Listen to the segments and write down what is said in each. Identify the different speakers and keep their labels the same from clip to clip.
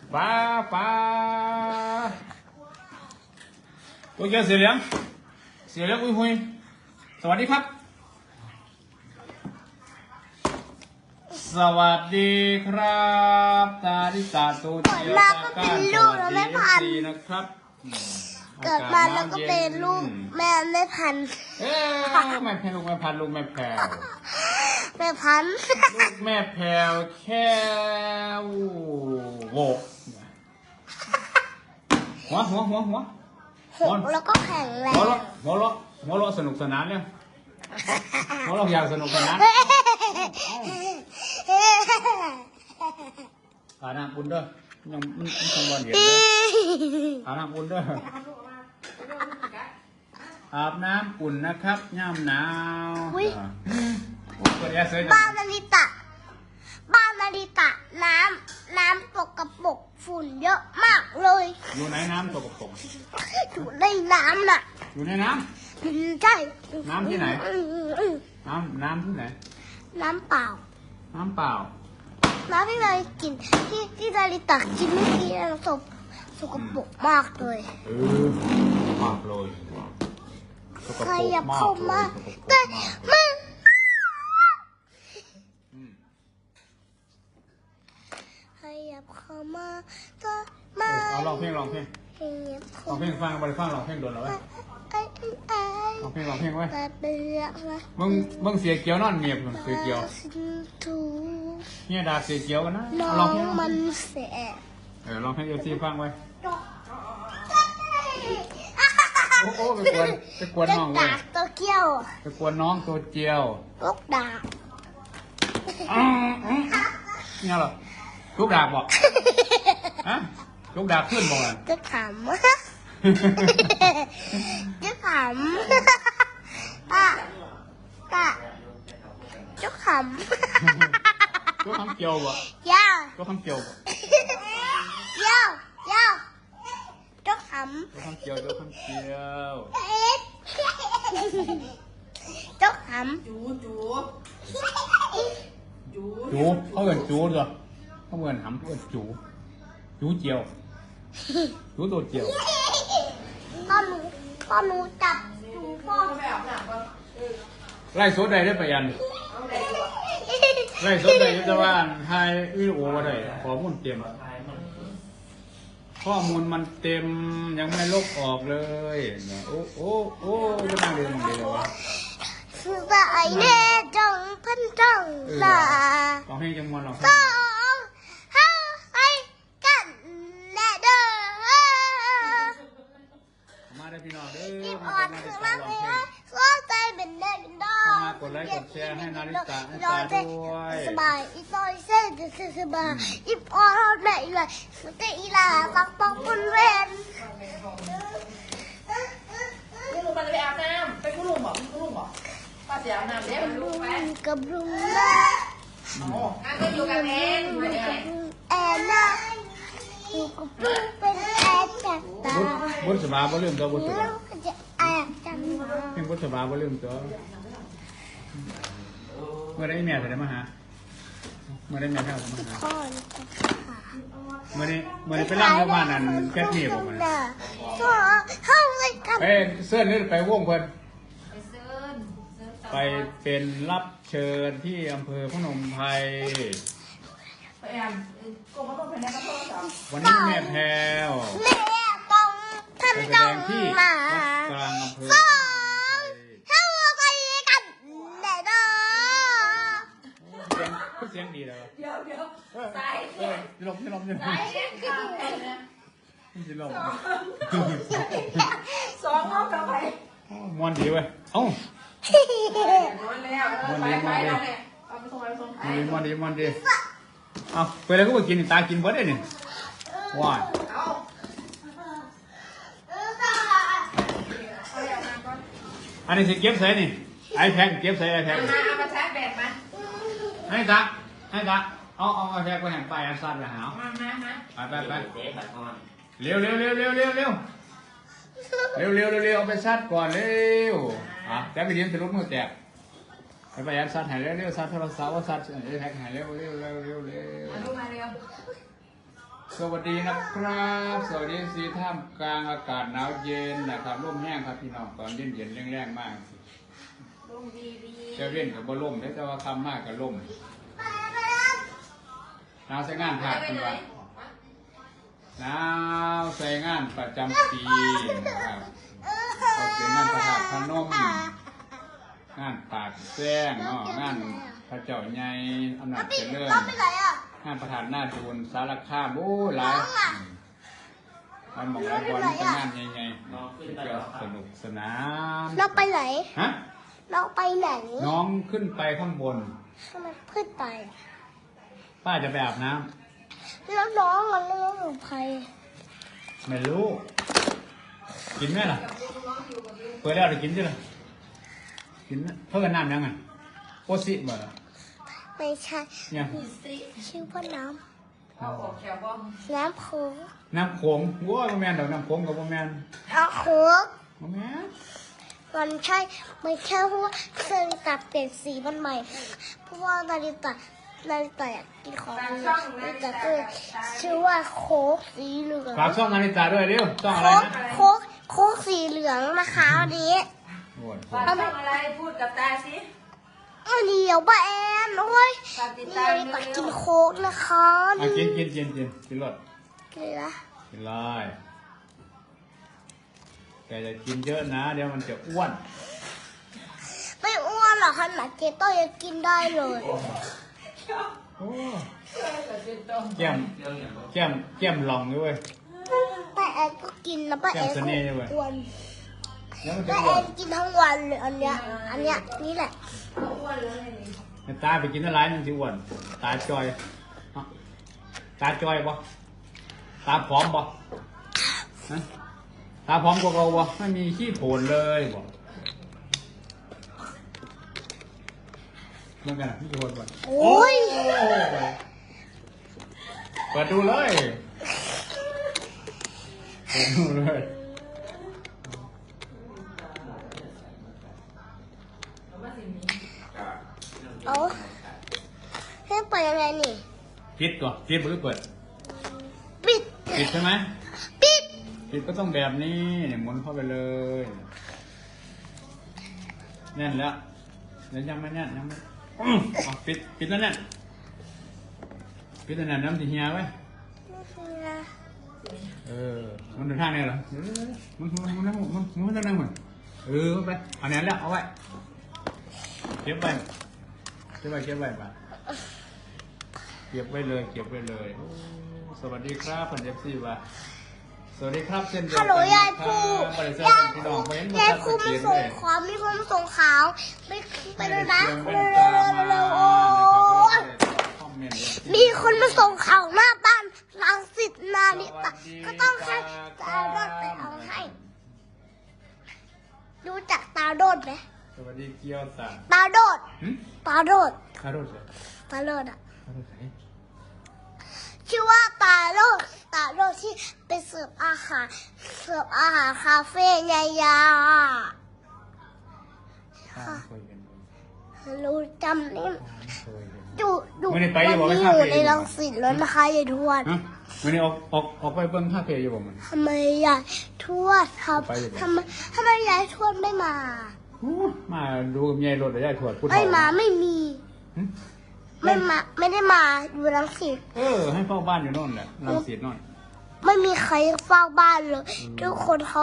Speaker 1: ป้าตัวเกียวเสียเหลืองหุยสวัสดีครับสวัสดีครับตาดิตาตัวเกียวตาก้านสวัสดีสีนะครับ
Speaker 2: เกิดมาแล้วก็เป็นลูกแม่ไม่พัน
Speaker 1: แม่แพรลูกแม่พันลูกแม่แพร
Speaker 2: แม่พัน
Speaker 1: ลูกแม่แพรแค่โวหัว
Speaker 2: แล้วก็แข็งแรง
Speaker 1: หัวเราะสนุกสนานเนี่ยหัวเราะอยากสนุกสนานอาน้ำอุ่นเด้อยังมันคงบอลเดียวเด้ออาน้ำอุ่นเด้ออาบน้ำอุ่นนะครับย่ำหนาว
Speaker 2: บ้านนาริตะน้ำตกกระปกฝุ่นเยอะมากเลย
Speaker 1: อยู่ในน้ำตกกระปก
Speaker 2: อยู่ในน้ำน่ะ
Speaker 1: อยู่ในน้
Speaker 2: ำใช่
Speaker 1: น้ำที่ไหนน้ำที่ไหน
Speaker 2: น้ำเปล่า
Speaker 1: น้ำ
Speaker 2: ที่เลยกินที่นาริตะกินเมื่อกี้น้ำตกกระปกมากเลย
Speaker 1: มากเลย
Speaker 2: ใครอยากเข้ามาแต่มาใครอยากเข้ามาก็มา
Speaker 1: เอาลองเพลงฟังไปฟังลองเพลงโดนแล้วไว้ลองเพลงไว้มึงเสียเกียวนอนเงียบเสียเกียวเนี่ยด่าเสียเกียวกันนะลองเพลง
Speaker 2: มันเสีย
Speaker 1: ลองเพลงเอฟซีฟังไว้โอ้ไปกวนน้องเว้ย
Speaker 2: ตัวเกี้ยว
Speaker 1: ไปกวนน้องตัวเจียว
Speaker 2: ลูกดาบ
Speaker 1: เนี่ยหรอลูกดาบบอกฮะลูกดาบขึ้นบอกอ่ะ
Speaker 2: จะขำจะขำจะขำ
Speaker 1: ตัวคำเกี่ยวบ่ตัวคำเกี่ยวบ่
Speaker 2: จะขำ
Speaker 1: ตัวคำเกี่ยว
Speaker 2: จะขำ
Speaker 1: จูเขาเหมือนจูเหรอเขาเหมือนหำเขาเหมือนจูเจียวจูตัวเจียว
Speaker 2: พ่อหนูจับจูพ่อ
Speaker 1: ไล่สดได้ไปยันไล่สดได้จะว่าไฮวิดีโอมาได้ข้อมูลเต็มข้อมูลมันเต็มยังไม่ลบออกเลยโอ้จะนั่งเรียนเดียววะ
Speaker 2: สายแน่จังพันจังล่ะ
Speaker 1: ลองเพลงจังมันลอง
Speaker 2: ไปกันแน่เด้อ
Speaker 1: มาได้พี่น้องเด้อ
Speaker 2: มาคือมาเลยก็ใจเป็นแน่เป็นดอ
Speaker 1: มากดไลค์กดแชร์ให้นาริตะให้ตาด้วย
Speaker 2: สบายอีซอยเส้นสบายอีพอเราไหนเลยสติอีลาปักปักบนเวน
Speaker 3: คุณลุงมันไปอาบน้ำไปคุณลุงบอกป้าเสียอาบน้ำเดี๋ยวลุงไป
Speaker 2: กับลุงนะ
Speaker 3: ก็อยู่กับแอน
Speaker 2: แอนนะอยู่กับลุงเป็นแอนจากตา
Speaker 1: บุษบาบ่ลืมตัวบุษบา
Speaker 2: จะแอนจัง
Speaker 1: เป็นบุษบาบ่ลืมตัวเมื่อได้แม่จะได้มาหาเมื่อได้แม่เท่าจะมาหาเมื่อได้ไปร่างกับบ้านนั่นแค่นี้ผมไปเสื้อนี่ไปวงเพิ่นไปเป็นรับเชิญที่อำเภอพนมไพรวันนี้แม่แพรว
Speaker 2: ท่าน
Speaker 1: แสดงที่วัดกลางอำเภอเสียงดีเลย
Speaker 3: เดี๋ยวสาย
Speaker 1: ลม
Speaker 3: สาย
Speaker 1: ลม
Speaker 3: สองเอากลับไป
Speaker 1: มวนดีเว้ยเอ้ามันดีเอาไปแล้วก็ไปกินตากินเบิร์ดได้เนี่ยว้ายอันนี้สิเก็บใส่นี่ไอแพดเก็บใส่ไอแพด
Speaker 3: มาชาร์จแบตมา
Speaker 1: ให้ตาเอาไอแพดไปแห่งไปอันสั้นไปหาไปเร็วเอาไปซัดก่อนเร็วแต่ไปเลี้ยงจะลุกมือแตกไปยันซัดหายเร็วซัดโทรศัพท์ว่าซัดไอแพดหายเร็ว
Speaker 3: มาเร็ว
Speaker 1: สวัสดีนะครับสวัสดีสีท่ามกลางอากาศหนาวเย็นนะครับร่มแห้งครับพี่น้องตอนเย็นเย็นแรงๆมาก
Speaker 3: ลุงดีดี
Speaker 1: จะเล่นกับบ่ล่มแต่ว่าคำมากกับล่มหนาวใส่งานผ่าดคุณวะหนาวใส่งานประจำปีนะครับเขาเสียงานประทาดพนมงานปากแซงเนาะงานพระเจ้าใหญ่อำนาจเจริญ
Speaker 2: น้องไปไหนอ่ะ
Speaker 1: งานประธานหน้าจูนสารคามโอ้หลายมันบอกหลายบอลเป็นงานใหญ่ๆก็สนุกสนาน
Speaker 2: น้องไปไหน
Speaker 1: ฮะ
Speaker 2: น้องไปไหน
Speaker 1: น้องขึ้นไปข้างบน
Speaker 2: ทำไมขึ้นไป
Speaker 1: ป้าจะไปอาบน้
Speaker 2: แล้วน้องมันเรื่องของใคร
Speaker 1: ำไม่รู้ กินไหมล่ะเปิดแล้วเดี๋ยวกินสิล่ะกินเท่ากันน้ำยังไงโอซิบ่ล่ะ
Speaker 2: ไม่ใช่
Speaker 1: เนี่ย
Speaker 2: ชื่อว่าน้
Speaker 3: เอาออกแถวบ้อง
Speaker 2: ำน้ำโค้ง
Speaker 1: น้ำโขงว้าวบ่แมนดอกน้ำโขงกับบ่แมน
Speaker 2: น้ำโค้ง
Speaker 1: บ่แมน
Speaker 2: มันใช่ไม่ใช่เพราะว่านาฬิกาเปลี่ยนสีมันใหม่ เพราะว่านาฬิกาอยากกินของดีนาฬิกาก็เลยชื่อว่าโค้กสีเหลือง
Speaker 1: ฝากช่องนาฬิกาด้วยเร็วช่องอะไร
Speaker 2: โค้ก
Speaker 1: นะ
Speaker 2: โค้กสีเหลืองนะคะวันนี้
Speaker 1: โอ้ย
Speaker 3: ฝากช่องอะไรพูดกับตาสิ
Speaker 2: เดี๋ยวป้าแอนโอ้ย
Speaker 3: ฝากติด
Speaker 2: นี่
Speaker 3: ตาม
Speaker 2: นาฬิกากินโค้กนะคะ
Speaker 1: อ่ะกินรส
Speaker 2: กินละ
Speaker 1: กินเลยแกจะกินเยอะนะเดี๋ยวมันจะอ้วน
Speaker 2: ไม่อ้วนหรอกขนาดเจโต้ยังกินได้เลย
Speaker 1: โอ้แก้มลองด้วย
Speaker 2: ป้าแอนก็กินนะป้าแอน
Speaker 1: แก้มเสน่ห์ด้วย
Speaker 2: อ้วน
Speaker 1: แล้วมันจะ
Speaker 2: ป้า
Speaker 1: อ้
Speaker 2: แอ
Speaker 1: วน
Speaker 2: นกินทั้งวันเลยอันเนี้ยนี่แหละ
Speaker 3: อ้วนเลย
Speaker 1: ตาไปกินอะไรมันจะอ้วนตาจอยฮะตาจอยบ่ตาผอมบ่ฮะตาผอมกว่าเราบ่ไม่มีขี้โผล่เลยบ่เหมือนกันขี้โผล่บ่
Speaker 2: โอ้ย
Speaker 1: เปิดดูเลยเปิดดูเลย
Speaker 2: เอาให้เปิดยังไงนี่
Speaker 1: ปิดก่อนปิดหรือเปิด
Speaker 2: ปิด
Speaker 1: ปิดใช่ไหม
Speaker 2: ปิด
Speaker 1: ปิดก็ต้องแบบนี้เนี่ยหมุนเข้าไปเลยแน่นแล้วเดี๋ยวยังไม่แน่นยังไม่อ๋อปิดแล้วแน่นปิดแล้วแน่นน้ำสีเหียไว้มันเดินทางเนี่ยเหรอมันต้องนั่งเหมือนไปเอาแน่นแล้วเอาไว้เก็บไว้ป่ะเก็บไว้เลยสวัสดีครับพันเอฟซีว่ะสวัสดีครับเช่นเดียว
Speaker 2: ฮั
Speaker 1: กั
Speaker 2: ลโหลยายครู
Speaker 1: ยายครู
Speaker 2: ยายครูมาส่งของมีคนมาส่งข่าวไปเลยนะเร็วๆมีคนมาส่งข่าวหน้าบ้านรังสิตนาลิตะก็ต้องให้ตาโดดไปเอาให้รู้จักตาโดดไหม
Speaker 1: สวัสดีเกียวสัน
Speaker 2: ตาโดด ตาโดด
Speaker 1: คารโรส
Speaker 2: ตาโดดอ่ะ
Speaker 1: คารโรสไหน
Speaker 2: ชื่อว่าตาโดดที่ไปเสิร์ฟอาหารคาเฟ่ยายา
Speaker 1: เคยเห็น
Speaker 2: รู้จำนี่
Speaker 1: เคยเห็น
Speaker 2: อยู่
Speaker 1: ไม่ได้ไป
Speaker 2: วัน
Speaker 1: บอกไม่
Speaker 2: นี้
Speaker 1: ทราบ
Speaker 2: อยู่
Speaker 1: เลย
Speaker 2: ในรังสิตแล้วนะคะยายทวด
Speaker 1: ฮะวันนี้ออกไปเบิ้งคาเฟ่อยู่บ่มัน
Speaker 2: ทำไมยายทวดครับ
Speaker 1: ไปอยู่บ่
Speaker 2: ทำไมยายทวดไม่มา
Speaker 1: มาดูกับยายรถหรือยายถวดพูด
Speaker 2: ไม่มาไม่มี
Speaker 1: หึ
Speaker 2: ไม่ได้มาอยู่รังสิต
Speaker 1: ให้เฝ้าบ้านอยู่โน่นแหละรังสีโน่น
Speaker 2: ไม่มีใครเฝ้าบ้านเลยทุกคนเขา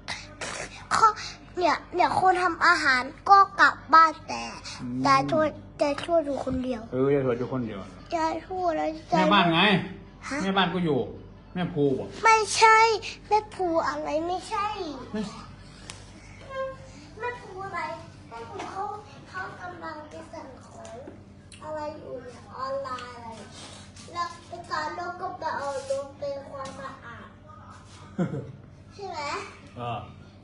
Speaker 2: เนี่ยคนทำอาหารก็กลับบ้านแต่ยายทวดอยู่คนเดียวย
Speaker 1: ายถวดอยู่คนเดียวย
Speaker 2: ายทวดแล้ว
Speaker 1: แม่บ้านไง
Speaker 2: ฮะ
Speaker 1: แม่บ้านก็อยู่แม่ภูบ่
Speaker 2: ไม่ใช่แม่ภูอะไรไม่ใช่
Speaker 1: ไม่
Speaker 2: แม่ภูอะไรแม่ภูเขากำลังจะสั่งของอะไรอยู่เนี่ยออนไลน์อะไรแล้วตอนเราก็ไปเอารถเป็นความสะอาดใช่ไหม ฮะ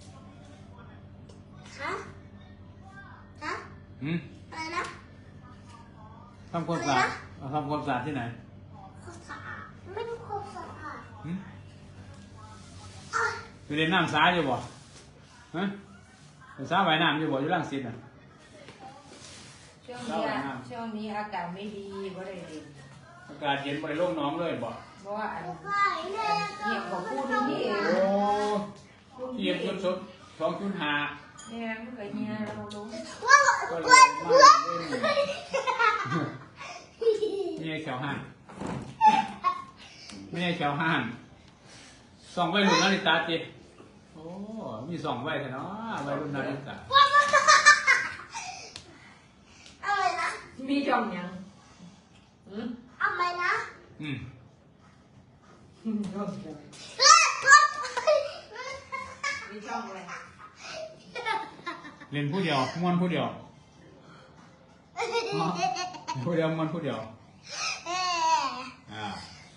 Speaker 2: ฮะ อะไรนะ
Speaker 1: ทำความสะอาดทำความสะอาดที่ไหน
Speaker 2: ความสะอาดไม่ได้ความสะอาด
Speaker 1: ไปเรียนน้ำสาอยู่บ่ฮะสาว่ายน้ำอยู่บ่อยู่รังสิตน่ะ
Speaker 3: ช่วงนี้อากาศไม่ดีก็เลยเรียน
Speaker 1: อากาศเย็นไปโล่งน้องเลยบ่
Speaker 3: เพราะว่าอัน
Speaker 2: ไก่แม่ก็
Speaker 3: เหี่ยวของพูดนี่เอง
Speaker 1: โอ้เทียบจน2.5
Speaker 3: เนี่ยมันก็เหี่ยวเรารู้
Speaker 2: ว่า
Speaker 1: ก็เล
Speaker 2: ว่าย
Speaker 1: มา
Speaker 2: ว่า
Speaker 1: เล่นไม่ใช่แขวห่านไม่ใช่แขวห่านส่องไว้รุ่นนาฬิตาจิโอ้มีส่องไว้แต่เนาะไว้รุ่นนาฬิตา
Speaker 2: อะไรนะ
Speaker 3: มีจ่องยัง
Speaker 2: อะไรนะ
Speaker 1: อืม
Speaker 3: มีจ่องอะไร
Speaker 1: เล่นผู้เดียวม้วนผู้เดียวผู้เดียวม้วนผู้เดียวอ่า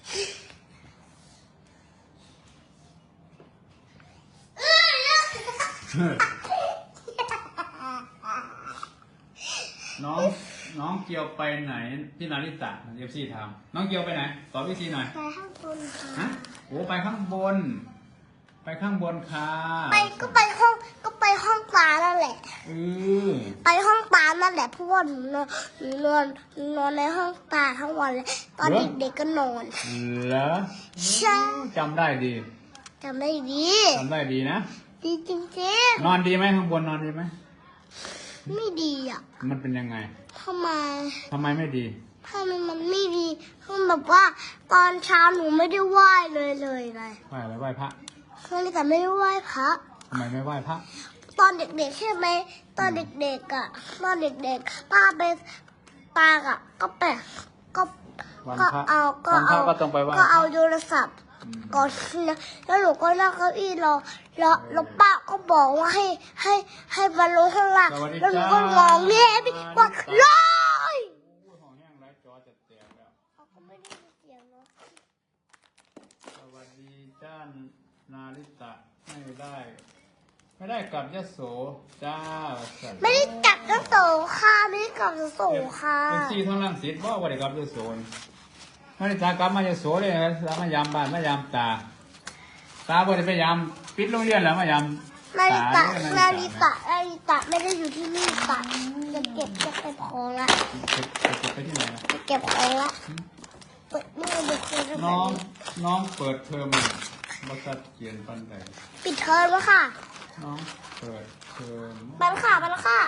Speaker 1: น้องเกียวไปไหนพี่นาริตะเอฟซีถามน้องเกียวไปไหนตอบพี่ซีหน่อย
Speaker 2: ไปข้างบนค่ะ
Speaker 1: ฮะโอ้ไปข้างบน ไปข้างบนค่ะ
Speaker 2: ก็ไปห้องปลานั่นแหละ ไปห้องปลานั่นแหละเพราะว่าหนูนอนในห้องปลาทั้งวันเลยตอนเด็กๆก็นอน
Speaker 1: เหรอ
Speaker 2: ใช่
Speaker 1: จำได้ดี
Speaker 2: จำได้ดี
Speaker 1: จำได้ดีนะ
Speaker 2: ดีจริง
Speaker 1: นอนดีไหมข้างบนนอนดีไหม
Speaker 2: ๆไม่ดีอ่ะ
Speaker 1: มันเป็นยังไง
Speaker 2: ทำไม
Speaker 1: ทำไมไม่ดี
Speaker 2: มันไม่ดีคือแบบว่าตอนเช้าหนูไม่ได้ไหว้เลยเลย
Speaker 1: ไหว้อะไรไหว้พระ
Speaker 2: คือแต่ไม่ได้ไหว้พระ
Speaker 1: ทำไมไม่ไหว้พระ
Speaker 2: ตอนเด็กๆใช่ไหมตอนเด็กๆอ่ะตอนเด็กๆป้าไปปาอ่ะก็ไปก็
Speaker 1: วัน
Speaker 2: ก็
Speaker 1: พระ
Speaker 2: เอาก็
Speaker 1: วันพ
Speaker 2: เอา
Speaker 1: ระก็ต้องไปไหว้
Speaker 2: ก็เอาโทรศัพท์ก่อนนะแล้วหนูก็นั่งเก้าอี้รอแล้วป้าก็บอกว่าให้มาลงข้างล่าง
Speaker 1: สวัสดี
Speaker 2: แล้วหนู
Speaker 1: จ้า
Speaker 2: ก็มองเนี่ยพี่ว่าลอย
Speaker 1: โอ้ยของแห้งไรจอจะแตกแล้ว
Speaker 2: เขาก็ไม่ได้ยินเสียงเนาะ
Speaker 1: สวัสดีจ้านาริตะไม่ได้กลับยโสจ้า
Speaker 2: ไม่ได้จับกระโสค่ะไม่ได้จับกระโสค่ะ
Speaker 1: เป็นที่ทั้งรังสิตว่าได้กลับยโสนาริตากลับมายโสเลยนะแล้วมายามบ้านมายามตาบ่ได้ไปยามปิดโรงเรียนแล้วมายาม
Speaker 2: นาริตะ
Speaker 1: เด้อ
Speaker 2: นาริตะไม่ได้อยู่ที่นี่ตะจะเก็บของละ
Speaker 1: ไปที่ไหนนะ
Speaker 2: จะเก็บของละเปิดนี่ดูคือ
Speaker 1: น้องเปิดเทอมบัตรเขียนปันใด
Speaker 2: ปิดเทอมแล้วค่ะ
Speaker 1: น้องเปิดเทอม
Speaker 2: มาแล้วค่ะมาแล้วค่ะ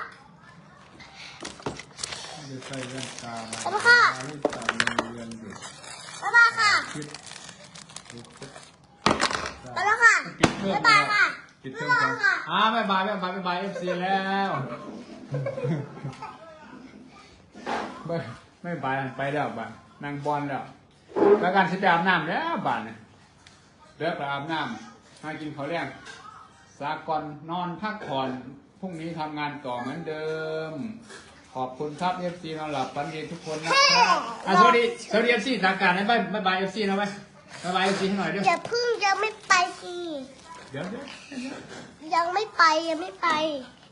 Speaker 1: ไม่ได้ใส่แว่นตา
Speaker 2: ขอบคุณค่ะ
Speaker 1: นาริตะมีเรียนเด็ก
Speaker 2: บ๊ายบายค่ะ
Speaker 1: คิด
Speaker 2: มาแล้วค่ะ
Speaker 1: ปิดเทอม
Speaker 2: บ๊ายบายค่ะ
Speaker 1: ปิดเทอมกันบ๊ายบายเอฟซีแล้วไม่บายไปแล้วบ้านนางบอลแล้วแล้วการสิไปอาบน้ำแล้วบ้านเนี่ยเลิกไปอาบน้ำมากินข้าวเลี้ยงสากลนอนพักผ่อนพรุ่งนี้ทำงานต่อเหมือนเดิม ขอบคุณครับเอฟซีนอนหลับฝันดีทุกคนนะครับสวัสดีเอฟซีทางการให้บ๊ายบายเอฟซีนะไว้บ๊ายบายเอฟซีให้หน่อยด้วย
Speaker 2: อย่าพึ่งยังไม่ไปสิ
Speaker 1: เดี๋ยว
Speaker 2: ยังไม่ไป